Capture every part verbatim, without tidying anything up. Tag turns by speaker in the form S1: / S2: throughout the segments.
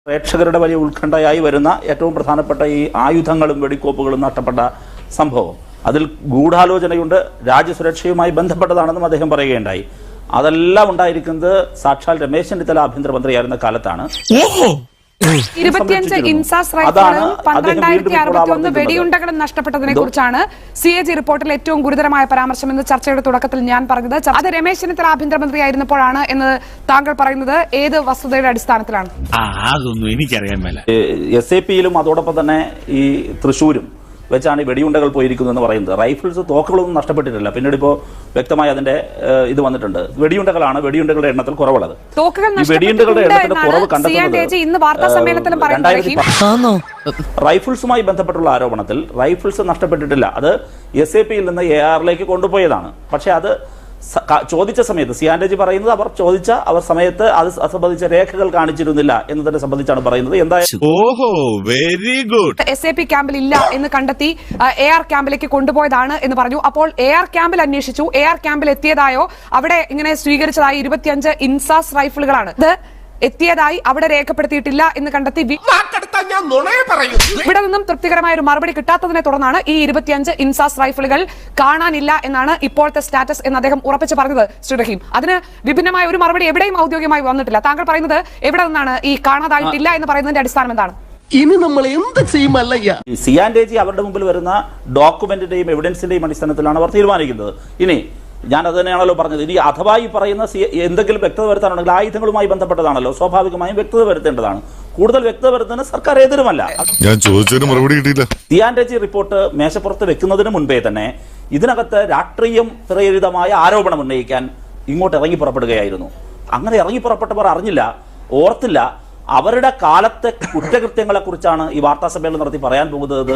S1: പ്രേക്ഷകരുടെ വലിയ ഉത്കണ്ഠയായി വരുന്ന ഏറ്റവും പ്രധാനപ്പെട്ട ഈ ആയുധങ്ങളും വെടിക്കോപ്പുകളും നഷ്ടപ്പെട്ട സംഭവം അതിൽ ഗൂഢാലോചനയുണ്ട്, രാജ്യസുരക്ഷയുമായി ബന്ധപ്പെട്ടതാണെന്നും അദ്ദേഹം പറയുകയുണ്ടായി. അതെല്ലാം ഉണ്ടായിരിക്കുന്നത് സാക്ഷാൽ രമേശ് ചെന്നിത്തല ആഭ്യന്തരമന്ത്രിയായിരുന്ന കാലത്താണ്.
S2: ഇരുപത്തിയഞ്ച് ഇൻസാസ് റൈഫിളും പന്ത്രണ്ടായിരത്തി അറുപത്തി ഒന്ന് വെടിയുണ്ടകളും നഷ്ടപ്പെട്ടതിനെ കുറിച്ചാണ് സി എ ജി റിപ്പോർട്ടിൽ ഏറ്റവും ഗുരുതരമായ പരാമർശം എന്ന് ചർച്ചയുടെ തുടക്കത്തിൽ ഞാൻ പറഞ്ഞത്. അത് രമേശ് ചെന്നിത്തല ആഭ്യന്തരമന്ത്രിയായിരുന്നപ്പോഴാണ് എന്ന് താങ്കൾ പറയുന്നത് ഏത് വസ്തുതയുടെ അടിസ്ഥാനത്തിലാണ്?
S3: അതൊന്നും എനിക്കറിയാൻ മേല.
S1: എസ് എ പിയിലും അതോടൊപ്പം തന്നെ ഈ തൃശ്ശൂരും വെച്ചാണ് ഈ വെടിയുണ്ടകൾ പോയിരിക്കുന്നത് എന്ന് പറയുന്നത്. റൈഫിൾസ് തോക്കുകളൊന്നും നഷ്ടപ്പെട്ടിട്ടില്ല. പിന്നീട് ഇപ്പോൾ വ്യക്തമായി അതിന്റെ ഇത് വന്നിട്ടുണ്ട്. വെടിയുണ്ടകളാണ് വെടിയുണ്ടകളുടെ എണ്ണത്തിൽ കുറവുള്ളത്. ഈ വെടിയുണ്ടകളുടെ എണ്ണത്തിന്റെ കുറവ് കണ്ടെത്തുന്നത് റൈഫിൾസുമായി ബന്ധപ്പെട്ടുള്ള ആരോപണത്തിൽ റൈഫിൾസ് നഷ്ടപ്പെട്ടിട്ടില്ല. അത് എസ് എ പിയിൽ നിന്ന് എ ആറിലേക്ക് കൊണ്ടുപോയതാണ്. പക്ഷെ അത് ചോദിച്ച സമയത്ത് സിയാൻഡേജി പറയുന്നത് അവർ ചോദിച്ച അവർ സമയത്ത് അത് സംബന്ധിച്ച രേഖകൾ കാണിച്ചിരുന്നില്ല എന്നതിനെ സംബന്ധിച്ചാണ് പറയുന്നത്. എന്തായാലും
S2: എസ് എ പി ക്യാമ്പിൽ ഇല്ല എന്ന് കണ്ടെത്തി എ ആർ ക്യാമ്പിലേക്ക് കൊണ്ടുപോയതാണ് എന്ന് പറഞ്ഞു. അപ്പോൾ എ ആർ ക്യാമ്പിൽ അന്വേഷിച്ചു. എ ആർ ക്യാമ്പിൽ എത്തിയതായോ അവിടെ ഇങ്ങനെ സ്വീകരിച്ചതായി ഇരുപത്തിയഞ്ച് ഇൻസാസ് റൈഫിളുകളാണ്. ഇത് എത്തിയതായി അവിടെ രേഖപ്പെടുത്തിയിട്ടില്ല എന്ന് കണ്ടെത്തി. ഇവിടെ നിന്നും തൃപ്തികരമായ ഒരു മറുപടി കിട്ടാത്തതിനെ തുടർന്നാണ് ഈ ഇരുപത്തിയഞ്ച് ഇൻസാസ് റൈഫിളുകൾ കാണാനില്ല എന്നാണ് ഇപ്പോഴത്തെ സ്റ്റാറ്റസ് എന്ന് അദ്ദേഹം ഉറപ്പിച്ച് പറഞ്ഞത്. ശ്രീ റഹീം, അതിന് വിഭിന്നമായ ഒരു മറുപടി എവിടെയും ഔദ്യോഗികമായി വന്നിട്ടില്ല. താങ്കൾ പറയുന്നത് എവിടെ നിന്നാണ് ഈ കാണാതായിട്ടില്ല എന്ന് പറയുന്നതിന്റെ അടിസ്ഥാനം എന്താണ്?
S4: ഇനി നമ്മൾ എന്ത് ചെയ്യുമല്ലയ്യ?
S1: സിയാൻഡേജി അവരുടെ മുമ്പിൽ വരുന്ന ഡോക്യുമെന്റിന്റെയും എവിഡൻസിന്റെയും അടിസ്ഥാനത്തിലാണ് അവർ തീരുമാനിക്കുന്നത്. ഇനി ഞാൻ അത് തന്നെയാണല്ലോ പറഞ്ഞത്. ഇനി അഥവാ ഈ പറയുന്ന എന്തെങ്കിലും വ്യക്തത വരുത്താനുണ്ടെങ്കിൽ ആയുധങ്ങളുമായി ബന്ധപ്പെട്ടതാണല്ലോ, സ്വാഭാവികമായും വ്യക്തത വരുത്തേണ്ടതാണ്. കൂടുതൽ വ്യക്തത വരുത്തുന്നതിന് സർക്കാർ എതിരുമല്ല.
S5: ഞാൻ ചോദിച്ചതിന് മറുപടി കിട്ടിയില്ല.
S1: സിയാൻഡേജി റിപ്പോർട്ട് മേശപ്പുറത്ത് വെക്കുന്നതിന് മുൻപേ തന്നെ ഇതിനകത്ത് രാഷ്ട്രീയം പ്രേരിതമായ ആരോപണം ഉന്നയിക്കാൻ ഇങ്ങോട്ട് ഇറങ്ങി പുറപ്പെടുകയായിരുന്നു. അങ്ങനെ ഇറങ്ങി പുറപ്പെട്ടവർ അറിഞ്ഞില്ല, ഓർത്തില്ല അവരുടെ കാലത്തെ കുറ്റകൃത്യങ്ങളെ കുറിച്ചാണ് ഈ വാർത്താ സമ്മേളനം നടത്തി പറയാൻ പോകുന്നത്.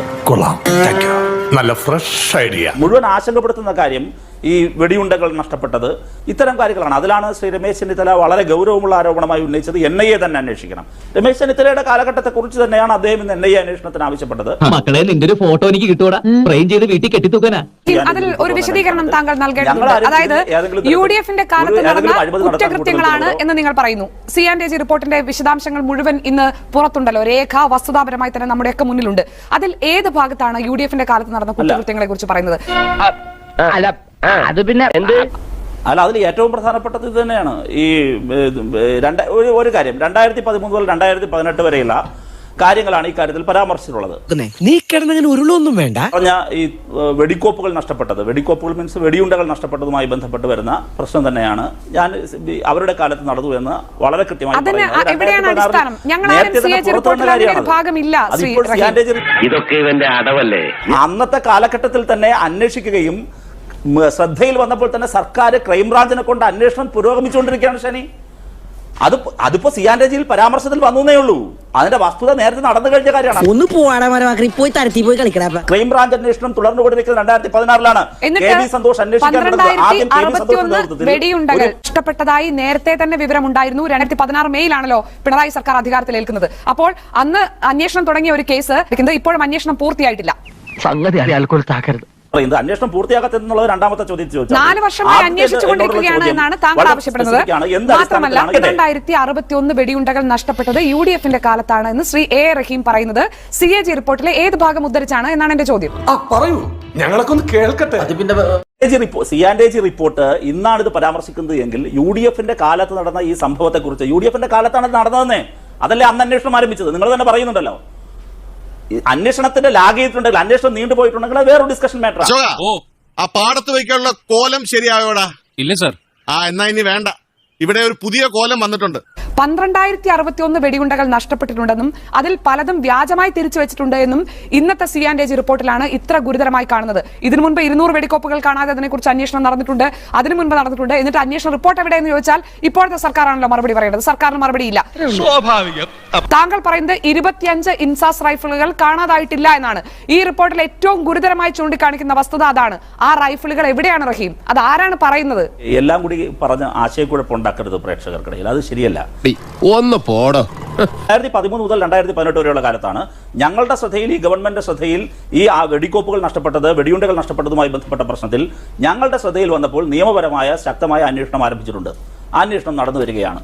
S5: നല്ല ഫ്രഷ് ഐഡിയ.
S1: മുഴുവൻ ആശങ്കപ്പെടുത്തുന്ന കാര്യം ഈ വെടിയുണ്ടകൾ നഷ്ടപ്പെട്ടത് ഇത്തരം കാര്യങ്ങളാണ്. അതിലാണ് ശ്രീ രമേശ് ചെന്നിത്തല വളരെ ഗൗരവമുള്ള ആരോപണമായി ഉന്നയിച്ചത്. എൻ ഐ എ തന്നെ അന്വേഷിക്കണം. രമേശ് ചെന്നിത്തലയുടെ കാലഘട്ടത്തെ കുറിച്ച് തന്നെയാണ് അദ്ദേഹം ഇന്ന് എൻ ഐ എ അന്വേഷണത്തിന് ആവശ്യപ്പെട്ടത്.
S6: മക്കളെ, നിന്റെ ഒരു ഫോട്ടോ എനിക്ക് കിട്ടൂടാ, ഫ്രെയിം ചെയ്ത് വീട്ടിൽ കെട്ടിത്തൂക്കാനാ.
S2: അതിൽ ഒരു വിശദീകരണം താങ്കൾ നൽകേണ്ടതുണ്ട്. അതായത് യു ഡി എഫിന്റെ കാലത്ത് നടന്ന കുറ്റകൃത്യങ്ങളാണ് എന്ന് നിങ്ങൾ പറയുന്നു. സിയാൻഡേജി റിപ്പോർട്ടിന്റെ വിശദാംശങ്ങൾ മുഴുവൻ ഇന്ന് പുറത്തുണ്ടല്ലോ, രേഖ വസ്തുതാപരമായി തന്നെ നമ്മുടെയൊക്കെ മുന്നിലുണ്ട്. അതിൽ ഏത് ഭാഗത്താണ് യു ഡി എഫിന്റെ കാലത്ത് നടന്ന കുറ്റകൃത്യങ്ങളെ കുറിച്ച് പറയുന്നത്?
S6: അല്ല, അത് പിന്നെ എന്ത്
S1: അല്ല, അതിൽ ഏറ്റവും പ്രധാനപ്പെട്ടത് ഇത് തന്നെയാണ്. ഈ രണ്ട് ഒരു കാര്യം രണ്ടായിരത്തി പതിമൂന്ന് മുതൽ രണ്ടായിരത്തി പതിനെട്ട് വരെയുള്ള കാര്യങ്ങളാണ് ഈ കാര്യത്തിൽ പരാമർശിച്ചിട്ടുള്ളത്.
S4: നീ കിടന്നങ്ങനെ ഉരുളൊന്നും വേണ്ട.
S1: പറഞ്ഞ ഈ വെടിക്കോപ്പുകൾ നഷ്ടപ്പെട്ടത്, വെടിക്കോപ്പുകൾ മീൻസ് വെടിയുണ്ടകൾ നഷ്ടപ്പെട്ടതുമായി ബന്ധപ്പെട്ട് വരുന്ന പ്രശ്നം തന്നെയാണ് ഞാൻ അവരുടെ കാലത്ത് നടന്നു എന്ന് വളരെ കൃത്യമായി അന്നത്തെ കാലഘട്ടത്തിൽ തന്നെ അന്വേഷിക്കുകയും ശ്രദ്ധയിൽ വന്നപ്പോൾ തന്നെ സർക്കാർ ക്രൈംബ്രാഞ്ചിനെ കൊണ്ട് അന്വേഷണം പുരോഗമിച്ചുകൊണ്ടിരിക്കുകയാണ്. ശനി അത് അതിപ്പോ സിയാൻഡേജിയിൽ പരാമർശത്തിൽ വന്നേ ഉള്ളൂ. അതിന്റെ വസ്തുത നേരത്തെ നടന്നു കഴിഞ്ഞ കാര്യമാണ്.
S4: ഒന്ന് പോയി തരത്തി പോയി കളിക്കടാ.
S1: ക്രൈംബ്രാഞ്ച് അന്വേഷണം തുടർന്നുകൊണ്ടിരിക്കുന്നത് രണ്ടായിരത്തി പതിനാറിലാണ്. സന്തോഷ്
S2: വെടിയുണ്ടകൾ നഷ്ടപ്പെട്ടതായി നേരത്തെ തന്നെ വിവരമുണ്ടായിരുന്നു. രണ്ടായിരത്തി പതിനാറ് മെയിലാണല്ലോ പിണറായി സർക്കാർ അധികാരത്തിലേൽക്കുന്നത്. അപ്പോൾ അന്ന് അന്വേഷണം തുടങ്ങിയ ഒരു കേസ് ഇപ്പോഴും അന്വേഷണം പൂർത്തിയായിട്ടില്ല.
S6: സംഗതി അറിയാൽക്കോൾ താക്കരുത്.
S1: അന്വേഷണം പൂർത്തിയാകാത്തതെന്നുള്ളത് രണ്ടാമത്തെ ചോദ്യം.
S2: നാല് വർഷമായി അന്വേഷിച്ചുകൊണ്ടിരിക്കുകയാണ് എന്നാണ് താങ്കൾ ആവശ്യപ്പെടുന്നത്. മാത്രമല്ല, രണ്ടായിരത്തി അറുപത്തി ഒന്ന് വെടിയുണ്ടകൾ നഷ്ടപ്പെട്ടത് യു ഡി എഫിന്റെ കാലത്താണ് എന്ന് ശ്രീ എ റഹീം പറയുന്നത് സി എ ജി റിപ്പോർട്ടിലെ ഏത് ഭാഗം ഉദ്ധരിച്ചാണ് എന്നാണ് എന്റെ ചോദ്യം.
S4: പറയൂ, ഞങ്ങളൊക്കെ ഒന്ന് കേൾക്കട്ടെ.
S1: സിയാൻഡേജി റിപ്പോർട്ട് ഇന്നാണ് ഇത് പരാമർശിക്കുന്നത് എങ്കിൽ യു ഡി എഫിന്റെ കാലത്ത് നടന്ന ഈ സംഭവത്തെ കുറിച്ച് യു ഡി എഫിന്റെ കാലത്താണ് നടന്നതെന്നേ. അതല്ലേ അന്ന് അന്വേഷണം ആരംഭിച്ചത്. നിങ്ങൾ തന്നെ പറയുന്നുണ്ടല്ലോ. അന്വേഷണത്തിന്റെ ലാഗ് ചെയ്തിട്ടുണ്ടെങ്കിൽ, അന്വേഷണം നീണ്ടുപോയിട്ടുണ്ടെങ്കിൽ അത് വേറൊരു ഡിസ്കഷൻ മാറ്റർ.
S5: ആ പാടത്ത് വയ്ക്കാനുള്ള കോലം ശരിയായോടാ?
S3: ഇല്ല സർ.
S5: ആ എന്നാ ഇനി വേണ്ട, ഇവിടെ ഒരു പുതിയ കോലം വന്നിട്ടുണ്ട്.
S2: പന്ത്രണ്ടായിരത്തി അറുപത്തി ഒന്ന് വെടിയുണ്ടകൾ നഷ്ടപ്പെട്ടിട്ടുണ്ടെന്നും അതിൽ പലതും വ്യാജമായി തിരിച്ചു വെച്ചിട്ടുണ്ട് എന്നും ഇന്നത്തെ സിയാൻഡേജി റിപ്പോർട്ടിലാണ് ഇത്ര ഗുരുതരമായി കാണുന്നത്. ഇതിനു മുൻപ് ഇരുന്നൂറ് വെടിക്കോപ്പുകൾ കാണാതെ അതിനെക്കുറിച്ച് അന്വേഷണം നടന്നിട്ടുണ്ട്, അതിനു മുൻപ് നടന്നിട്ടുണ്ട്. എന്നിട്ട് അന്വേഷണ റിപ്പോർട്ട് എവിടെയെന്ന് ചോദിച്ചാൽ ഇപ്പോഴത്തെ സർക്കാരാണല്ലോ മറുപടി പറയേണ്ടത്. സർക്കാരിന് മറുപടിയില്ല. താങ്കൾ പറയുന്നത് ഇരുപത്തിയഞ്ച് ഇൻസാസ് റൈഫിളുകൾ കാണാതായിട്ടില്ല എന്നാണ്. ഈ റിപ്പോർട്ടിൽ ഏറ്റവും ഗുരുതരമായി ചൂണ്ടിക്കാണിക്കുന്ന വസ്തുത അതാണ്. ആ റൈഫിളുകൾ എവിടെയാണ് റഹീം? അത് ആരാണ് പറയുന്നത്?
S1: എല്ലാം കൂടി പറഞ്ഞ ആശയക്കുഴപ്പമുണ്ടാക്കരുത് പ്രേക്ഷകർക്കിടയിൽ. അത് ശരിയല്ല.
S4: ഒന്ന് പോടോ.
S1: രണ്ടായിരത്തി പതിമൂന്ന് മുതൽ രണ്ടായിരത്തി പതിനെട്ട് വരെയുള്ള കാലത്താണ് ഞങ്ങളുടെ ശ്രദ്ധയിൽ, ഈ ഗവൺമെന്റ് ശ്രദ്ധയിൽ ഈ ആ വെടിക്കോപ്പുകൾ നഷ്ടപ്പെട്ടത്, വെടിയുണ്ടകൾ നഷ്ടപ്പെട്ടതുമായി ബന്ധപ്പെട്ട പ്രശ്നത്തിൽ ഞങ്ങളുടെ ശ്രദ്ധയിൽ വന്നപ്പോൾ നിയമപരമായ ശക്തമായ അന്വേഷണം ആരംഭിച്ചിട്ടുണ്ട്. ആ അന്വേഷണം നടന്നു വരികയാണ്.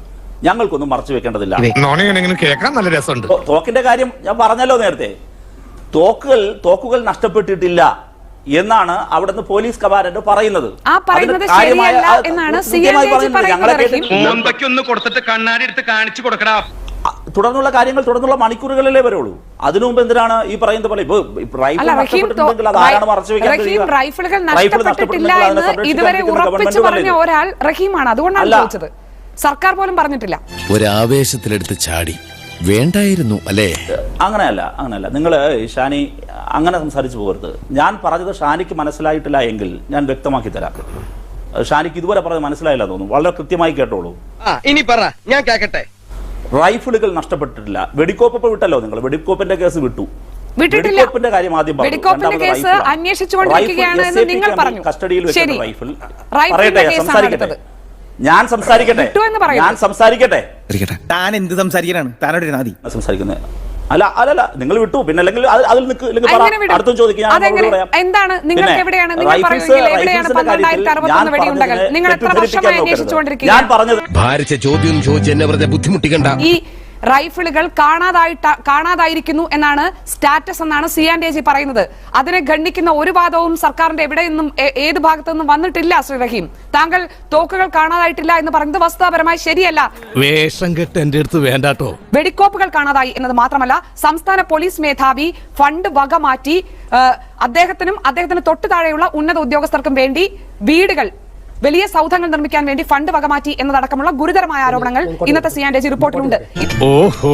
S1: ഞങ്ങൾക്കൊന്നും മറച്ചു വെക്കേണ്ടതില്ല.
S5: കേൾക്കാൻ നല്ല രസമുണ്ട്.
S1: തോ- തോക്കിന്റെ കാര്യം ഞാൻ പറഞ്ഞല്ലോ നേരത്തെ. തോക്കുകൾ തോക്കുകൾ നഷ്ടപ്പെട്ടിട്ടില്ല എന്നാണ് അവിടുന്ന് പോലീസ് കമാൻഡന്റ് പറയുന്നത്.
S2: ആ പറയുന്നത്
S1: അതിന് കാര്യമായ-
S2: ശരിയല്ല
S1: ആ,
S2: എന്നാണ്
S1: കൃത്യമായി
S2: സി എൻ ജെ ജി
S1: പറയുന്നത്.
S2: പറയുന്നത്,
S1: ഞങ്ങളെ
S2: റഹീം.
S1: കേട്ടിട്ട്
S7: ഒന്ന് കൊടുത്തിട്ട് കണ്ണാടി എടുത്ത് കാണിച്ചു കൊടുക്കടാ.
S1: ആ, തുടർന്നുള്ള കാര്യങ്ങൾ തുടർന്നുള്ള മണിക്കൂറുകളിലേ വരുള്ളൂ. അതിനു മുമ്പ് എന്തിനാണ് ഈ പറയുന്ന പോലെ ഇപ്പൊ റൈഫിൾ
S2: അല്ല, റഹീം
S1: നഷ്ടപ്പെട്ടിട്ടുണ്ടെങ്കിൽ അത് ആരാണ് മറച്ചു വെക്കാൻ
S2: റഹീം
S1: കഴിയുക?
S2: റൈഫിളുകൾ
S1: റൈഫിൾ
S2: നഷ്ടപ്പെട്ടിട്ടില്ല
S1: നഷ്ടപ്പെട്ടിട്ടുണ്ടെങ്കിൽ അതിനെ
S2: എന്ന്
S1: സംരക്ഷിക്കാൻ
S2: ഇതുവരെ
S1: ഇരിക്കുന്ന
S2: ഉറപ്പിച്ചു
S1: ഗവൺമെന്റ്
S2: പറഞ്ഞ
S1: അല്ലേ?
S2: ഒരാൾ റഹീമാണ്. അതുകൊണ്ടാണ്
S1: അല്ല.
S2: ചോദിച്ചത്. സർക്കാർ പോലും പറഞ്ഞിട്ടില്ല.
S8: ഒരാവേശത്തിലെടുത്ത് ചാടി വേണ്ടായിരുന്നു അല്ലേ?
S1: അങ്ങനെയല്ല അങ്ങനെയല്ല നിങ്ങൾ ഷാനി അങ്ങനെ സംസാരിച്ചു പോകരുത്. ഞാൻ പറഞ്ഞത് ഷാനിക്ക് മനസ്സിലായിട്ടില്ല എങ്കിൽ ഞാൻ വ്യക്തമാക്കി തരാം. ഷാനിക്ക് ഇതുവരെ പറഞ്ഞത് മനസ്സിലായില്ല തോന്നുന്നു. വളരെ കൃത്യമായി കേട്ടോളൂ.
S7: ഇനി പറ, ഞാൻ കേക്കട്ടെ.
S1: റൈഫിളുകൾ നഷ്ടപ്പെട്ടിട്ടില്ല. വെടിക്കോപ്പ് ഇപ്പൊ വിട്ടല്ലോ നിങ്ങൾ. വെടിക്കോപ്പിന്റെ കേസ് വിട്ടു.
S2: വിട്ടിട്ടില്ല.
S1: വെടിക്കോപ്പിന്റെ കാര്യം ആദ്യം പറഞ്ഞു.
S2: വെടിക്കോപ്പിന്റെ
S1: രണ്ടാമത്
S2: കേസ്
S1: റൈഫിളാണ്.
S2: അന്വേഷിച്ചുകൊണ്ടിരിക്കുകയാണ്
S1: റൈഫിൾ
S2: എന്ന് നിങ്ങൾ
S1: എസ് എ പി
S2: പറഞ്ഞു.
S1: കസ്റ്റഡിയിൽ
S2: ശരി.
S1: വെക്കുന്ന റൈഫിൾ
S2: റൈഫിളിന്റെ
S1: പറയട്ടെ,
S2: കേസാണ്
S1: സംസാരിക്കട്ടെ.
S2: എടുത്തത്.
S1: ഞാൻ സംസാരിക്കട്ടെ
S2: വിട്ടു എന്ന് പറയുന്നു.
S1: ഞാൻ സംസാരിക്കട്ടെ
S9: താൻ എന്ത് സംസാരിക്കാനാണ്? താനോട് നാദി
S1: സംസാരിക്കുന്നത് അല്ല അല്ലല്ല നിങ്ങൾ വിട്ടു. പിന്നെ അല്ലെങ്കിൽ അത് അതിൽ നിൽക്ക് ഇല്ലെങ്കിൽ പറ.
S2: അങ്ങനെ വിടും.
S1: അടുത്തും ചോദിക്കും. ഞാൻ
S2: അതെങ്ങനെ?
S1: മറുപടി പറയാം.
S2: എന്താണ് നിങ്ങൾക്ക്
S1: പിന്നെ
S2: എവിടെയാണ് നിങ്ങൾ
S1: റൈഫിൾസ്
S2: പറയുമെങ്കിൽ എവിടെയാണ്
S1: റൈഫിൾസിന്റെ
S2: പന്ത്രണ്ടായിരത്തി
S1: കാര്യത്തിൽ ഞാൻ
S2: അറുപത്തൊന്ന് വെടിയുണ്ടകൾ?
S1: പറഞ്ഞതിനെ
S2: നിങ്ങൾ എത്ര
S1: തെറ്റിദ്ധരിപ്പിക്കാൻ
S2: വർഷമായി
S1: നോക്കരുത്.
S2: അന്വേഷിച്ചുകൊണ്ടിരിക്കുക?
S1: ഞാൻ പറഞ്ഞത്
S8: ഭാരിച്ച ചോദ്യം ചോദിച്ച് എന്നെ വെറുതെ ബുദ്ധിമുട്ടിക്കണ്ട.
S2: ഈ റൈഫിളുകൾ കാണാതായിട്ട് കാണാതായിരിക്കുന്നു എന്നാണ് സ്റ്റാറ്റസ് എന്നാണ് സി ആൻഡ് എ ജി പറയുന്നത്. അതിനെ ഖണ്ഡിക്കുന്ന ഒരു വാദവും സർക്കാരിന്റെ എവിടെ നിന്നും ഏ- ഏത് ഭാഗത്തു നിന്നും വന്നിട്ടില്ല. ശ്രീ റഹീം, താങ്കൾ തോക്കുകൾ കാണാതായിട്ടില്ല എന്ന് പറയുന്നത് വസ്തുതാപരമായി ശരിയല്ല.
S4: വേഷം കെട്ട് എന്റെ അടുത്ത് വേണ്ടാട്ടോ.
S2: വെടിക്കോപ്പുകൾ കാണാതായി എന്നത് മാത്രമല്ല, സംസ്ഥാന പോലീസ് മേധാവി ഫണ്ട് വക മാറ്റി ആ, അദ്ദേഹത്തിനും അദ്ദേഹത്തിന് തൊട്ടു താഴെയുള്ള ഉന്നത ഉദ്യോഗസ്ഥർക്കും വേണ്ടി വീടുകൾ, വലിയ സൗധങ്ങൾ നിർമ്മിക്കാൻ വേണ്ടി ഫണ്ട് വകമാറ്റി എന്നതടക്കമുള്ള ഗുരുതരമായ ആരോപണങ്ങൾ ഇന്നത്തെ സി ആൻഡ് എ ജി റിപ്പോർട്ടിലുണ്ട്.
S3: ഓഹോ,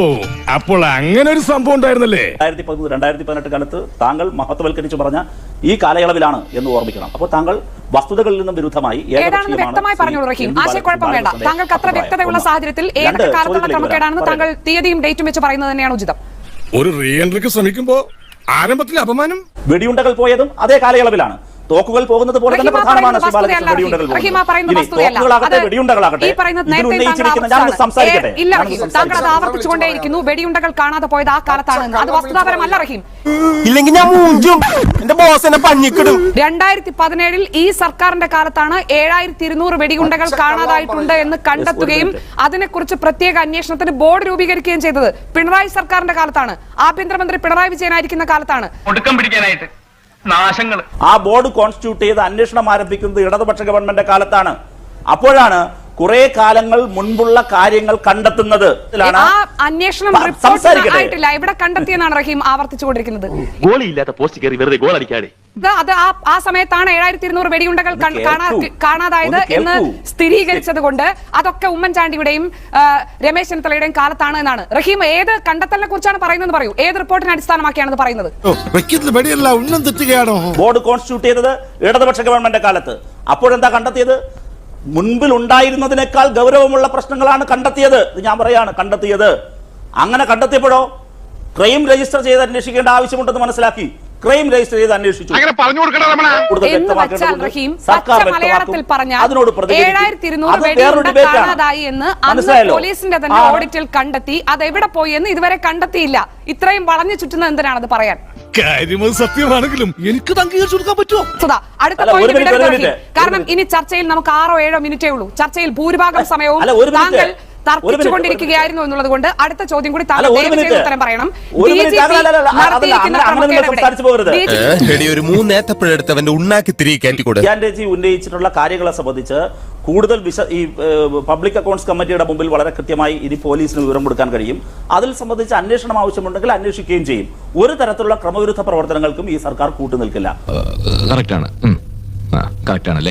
S3: അപ്പോൾ അങ്ങനെ ഒരു സംഭവം ഉണ്ടായിരുന്നല്ലേ?
S1: രണ്ടായിരത്തി പതിമൂന്ന് രണ്ടായിരത്തി പതിനെട്ട് കാലത്ത് താങ്കൾ മഹത്വവൽക്കരിച്ചു പറഞ്ഞ ഈ കാലയളവിലാണ് എന്ന് ഓർമ്മിക്കണം. അപ്പോൾ താങ്കൾ വസ്തുതകളിൽ നിന്നും വിരുദ്ധമായി
S2: ഏതാണെന്ന് വ്യക്തമായി പറഞ്ഞോളൂ റഹീം. ആശയക്കുഴപ്പം വേണ്ട. താങ്കൾക്ക് അത്ര വ്യക്തതയുള്ള സാഹചര്യത്തിൽ ഏതൊക്കെ കാലത്തുള്ള ക്രമക്കേടാണെന്ന് താങ്കൾ തീയതിയും ഡേറ്റും വെച്ച് പറയുന്നത് തന്നെയാണ് ഉചിതം.
S3: ഒരു റീ എൻട്രിക്ക് ശ്രമിക്കുമ്പോ ആരംഭത്തിൽ അപമാനം.
S1: വെടിയുണ്ടകൾ പോയതും അതേ കാലയളവിലാണ്. തോക്കുകൾ പോകുന്നത് പോലെ തന്നെ
S2: റഹീമ
S1: പ്രധാനമാണ്
S2: പറയുന്നത്
S1: ശ്രീ ബാലകൃഷ്ണൻ
S2: വസ്തുതയല്ല.
S1: വെടിയുണ്ടകൾ
S2: റഹീമ
S1: പോകുന്നത്.
S2: പറയുന്നത്
S1: ഇനി
S2: വസ്തുതയല്ല.
S1: തോക്കുകളാകട്ടെ
S2: അത്
S1: വെടിയുണ്ടകളാകട്ടെ
S2: ഈ പറയുന്നത്
S1: ഇതിൽ
S2: നേരത്തെ
S1: ഉന്നയിച്ചിരിക്കുന്ന
S2: താങ്കൾ
S1: ഞാൻ സംസാരിക്കട്ടെ.
S2: ഏ, ഇല്ല റഹീം, താങ്കൾ അത് ആവർത്തിച്ചുകൊണ്ടേയിരിക്കുന്നു. വെടിയുണ്ടകൾ കാണാതെ പോയത് ആ കാലത്താണ് എന്ന്. അത് വസ്തുതാപരമല്ല റഹീം.
S9: ഇല്ലെങ്കിൽ ഞാൻ മൂഞ്ചും. എന്റെ ബോസ് എന്നെ പഞ്ഞിക്കിടും.
S2: രണ്ടായിരത്തി പതിനേഴിൽ ഈ സർക്കാരിന്റെ കാലത്താണ് ഏഴായിരത്തി ഇരുന്നൂറ് വെടിയുണ്ടകൾ കാണാതായിട്ടുണ്ട് എന്ന് കണ്ടെത്തുകയും അതിനെക്കുറിച്ച് പ്രത്യേക അന്വേഷണത്തിന് ബോർഡ് രൂപീകരിക്കുകയും ചെയ്തത് പിണറായി സർക്കാരിന്റെ കാലത്താണ്. ആഭ്യന്തരമന്ത്രി പിണറായി വിജയനായിരിക്കുന്ന കാലത്താണ്.
S7: ഒടുക്കം പിടിക്കാനായിട്ട് നാശങ്ങൾ.
S1: ആ ബോർഡ് കോൺസ്റ്റിറ്റ്യൂട്ട് ചെയ്ത് അന്വേഷണം ആരംഭിക്കുന്നത് ഇടതുപക്ഷ ഗവൺമെന്റ് കാലത്താണ്. അപ്പോഴാണ് കുറെ കാലങ്ങൾ മുൻപുള്ള കാര്യങ്ങൾ കണ്ടെത്തുന്നത്.
S2: ആ അന്വേഷണം
S1: പ-
S2: റിപ്പോർട്ട്
S1: സംസാരിക്കട്ടെ.
S2: ആയിട്ടില്ല. ഇവിടെ കണ്ടെത്തിയെന്നാണ് റഹീം ആവർത്തിച്ചുകൊണ്ടിരിക്കുന്നത്.
S6: ഗോളിയില്ലാത്ത പോസ്റ്റ് കയറി വെറുതെ ഗോൾ അടിക്കാതെ.
S2: ഇത് അത് ആ ആ സമയത്താണ് ഏഴായിരത്തി ഇരുന്നൂറ് വെടിയുണ്ടകൾ
S1: ഒന്ന്
S2: കൺ- കാണാ-
S1: കേൾക്കൂ.
S2: കാണാതായത്
S1: ഒന്ന്
S2: എന്ന്
S1: കേൾക്കൂ.
S2: സ്ഥിരീകരിച്ചത് കൊണ്ട് അതൊക്കെ ഉമ്മൻചാണ്ടിയുടെയും ആ, രമേശ് ചെന്നിത്തലയുടെയും കാലത്താണ് എന്നാണ്. റഹീം ഏത് കണ്ടെത്തലിനെ കുറിച്ചാണ് പറയുന്നത് പറയൂ. ഏത് റിപ്പോർട്ടിനെ അടിസ്ഥാനമാക്കിയാണ് പറയുന്നത്?
S3: വെടിയല്ല ഉന്നം തെറ്റുകയാണോ?
S1: ബോർഡ് കോൺസ്റ്റിറ്റ്യൂട്ട് ചെയ്തത് ഇടതുപക്ഷ ഗവൺമെന്റ് കാലത്ത്. അപ്പോഴെന്താ കണ്ടെത്തിയത്? മുൻപിൽ ഉണ്ടായിരുന്നതിനേക്കാൾ ഗൗരവമുള്ള പ്രശ്നങ്ങളാണ് കണ്ടെത്തിയത്. ഇത് ഞാൻ പറയാണ് കണ്ടെത്തിയത്. അങ്ങനെ കണ്ടെത്തിയപ്പോഴോ ക്രൈം രജിസ്റ്റർ ചെയ്ത് അന്വേഷിക്കേണ്ട ആവശ്യമുണ്ടെന്ന് മനസ്സിലാക്കി ക്രൈം രജിസ്റ്റർ ചെയ്ത് അന്വേഷിച്ചു.
S5: അങ്ങനെ പറഞ്ഞു കൊടുക്കണ രമണ.
S1: കൂടുതൽ
S2: എന്ന് വെച്ചാൽ
S1: വ്യക്തമാക്കേണ്ടതുണ്ട്.
S2: റഹീം
S1: സർക്കാർ
S2: പച്ച മലയാളത്തിൽ
S1: വ്യക്തമാക്കും.
S2: പറഞ്ഞാൽ
S1: അതിനോട് പ്രതികരിക്കും.
S2: ഏഴായിരത്തി ഇരുന്നൂറ്
S1: അത് വേറൊരു
S2: വെടിയുണ്ട
S1: debate ആണ്.
S2: കാണാതായി എന്ന് അന്ന്
S1: മനസ്സിലായല്ലോ?
S2: പോലീസിന്റെ തന്നെ
S1: ആ.
S2: ഓഡിറ്റിൽ കണ്ടെത്തി. അത് എവിടെ പോയി എന്ന് ഇതുവരെ കണ്ടെത്തിയില്ല. ഇത്രയും വളഞ്ഞു ചുറ്റുന്നത് എന്തിനാണത് പറയാൻ?
S3: കാര്യം അത് സത്യമാണെങ്കിലും എനിക്ക് അംഗീകരിച്ചു കൊടുക്കാൻ പറ്റുമോ?
S2: സുധാ, അടുത്ത
S1: അല്ല, ഒരു
S2: പോയിന്റ്
S1: മിനിറ്റ്,
S2: വിടരുത്
S1: ഒരു
S2: റഹീം.
S1: മിനിറ്റ്.
S2: കാരണം ഇനി ചർച്ചയിൽ നമുക്ക് ആറോ ഏഴോ മിനിറ്റേ ഉള്ളൂ. ചർച്ചയിൽ ഭൂരിഭാഗം സമയവും
S1: അല്ല, ഒരു മിനിറ്റ്.
S2: താങ്കൾ
S1: ഒരു മിനിറ്റ്.
S2: തർക്കിച്ചുകൊണ്ടിരിക്കുകയായിരുന്നു എന്നുള്ളത് കൊണ്ട് അടുത്ത ചോദ്യം കൂടി താങ്കൾ
S1: അല്ല, ഒരു
S2: ദയവ് ചെയ്ത്
S1: മിനിറ്റ്.
S2: ഉത്തരം പറയണം.
S1: ഒരു
S2: ഡി
S1: മിനിറ്റ്.
S2: ജി പി
S1: അല്ല, അല്ല, അല്ല, അതല്ല,
S2: നടത്തിയിരിക്കുന്ന
S1: അങ്ങനെ നിങ്ങൾ
S2: ക്രമക്കേട്
S1: സംസാരിച്ചു പോകരുത്.
S2: ഡി ജി പി
S8: ഒരു മൂന്നേത്തപ്പഴെടുത്ത് അവന്റെ ഉണ്ണാക്കി തിരികെ കയറ്റിക്കൂടെ?
S1: ജിയാൻഡേജി ഉന്നയിച്ചിട്ടുള്ള കാര്യങ്ങളെ സംബന്ധിച്ച് കൂടുതൽ വിശ ഈ ഏഹ്, പബ്ലിക് അക്കൗണ്ട്സ് കമ്മിറ്റിയുടെ മുമ്പിൽ വളരെ കൃത്യമായി ഇനി പോലീസിന് വിവരം കൊടുക്കാൻ കഴിയും. അതിൽ സംബന്ധിച്ച് അന്വേഷണം ആവശ്യമുണ്ടെങ്കിൽ അന്വേഷിക്കുകയും ചെയ്യും. ഒരു തരത്തിലുള്ള ക്രമവിരുദ്ധ പ്രവർത്തനങ്ങൾക്കും ഈ സർക്കാർ കൂട്ടുനിൽക്കില്ല.
S6: കറക്റ്റാണ് കറക്റ്റാണല്ലേ?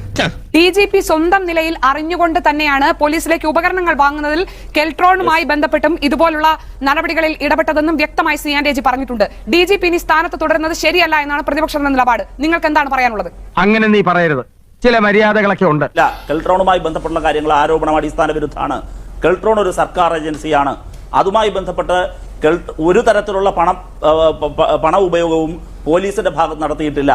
S2: ഡി ജി പി സ്വന്തം നിലയിൽ അറിഞ്ഞുകൊണ്ട് തന്നെയാണ് പോലീസിലേക്ക് ഉപകരണങ്ങൾ വാങ്ങുന്നതിൽ കെൽട്രോണുമായി ബന്ധപ്പെട്ടും ഇതുപോലുള്ള നടപടികളിൽ ഇടപെട്ടതെന്നും വ്യക്തമായി സി ആൻഡ് എ ജി പറഞ്ഞിട്ടുണ്ട്. ഡി ജി പി ഇനി സ്ഥാനത്ത് തുടരുന്നത് ശരിയല്ല എന്നാണ് പ്രതിപക്ഷത്തിന്റെ നിലപാട്. നിങ്ങൾക്ക് എന്താണ് പറയാനുള്ളത്?
S7: അങ്ങനെ നീ പറയരുത്. ചില മര്യാദകളൊക്കെ ഉണ്ട്.
S1: അല്ല, കെൽട്രോണുമായി ബന്ധപ്പെട്ടുള്ള കാര്യങ്ങൾ ആരോപണം അടിസ്ഥാന വിരുദ്ധമാണ്. കെൽട്രോൺ ഒരു സർക്കാർ ഏജൻസിയാണ്. അതുമായി ബന്ധപ്പെട്ട് കെൽ- ഒരു തരത്തിലുള്ള പണം ആ, പ- പ- പണ ഉപയോഗവും പോലീസിന്റെ ഭാഗത്ത് നടത്തിയിട്ടില്ല.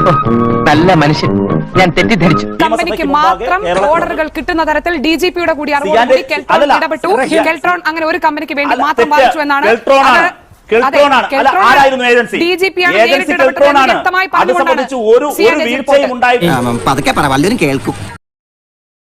S6: നല്ല മനുഷ്യൻ, ഞാൻ തെറ്റിദ്ധരിച്ചു.
S2: കമ്പനിക്ക് മാത്രം ഓർഡറുകൾ കിട്ടുന്ന തരത്തിൽ ഡി ജി പിയുടെ കൂടി അറിവോടുകൂടി കെൽട്രോൺ
S1: അല്ലല്ല,
S2: ഇടപെട്ടു.
S1: റഹീം.
S2: കെൽട്രോൺ അങ്ങനെ ഒരു കമ്പനിക്ക് വേണ്ടി
S1: അല്ല,
S2: മാത്രം
S1: തെറ്റ്.
S2: വാദിച്ചു എന്നാണ്.
S1: കെൽട്രോണാണ്.
S2: അത്
S1: കെൽട്രോണാണ്.
S2: അതെ,
S1: അല്ല,
S2: കെൽട്രോൺ
S1: ആരായിരുന്നു ഏജൻസി?
S2: ഡി ജി പി ആണ്
S1: ഏജൻസി
S2: നേരിട്ട് ഇടപെട്ടത്
S1: കെൽട്രോണാണ്.
S2: വ്യക്തമായി
S1: അത് സംബന്ധിച്ച് ഒരു
S2: പറഞ്ഞുകൊണ്ടാണ് സി
S1: ഒരു
S2: ആൻഡ് എ ജി
S1: വീഴ്ചയും
S2: റിപ്പോർട്ട്.
S1: ഉണ്ടായിട്ടില്ല.
S9: പതുക്കെ പറ, വല്ലവരും കേൾക്കും.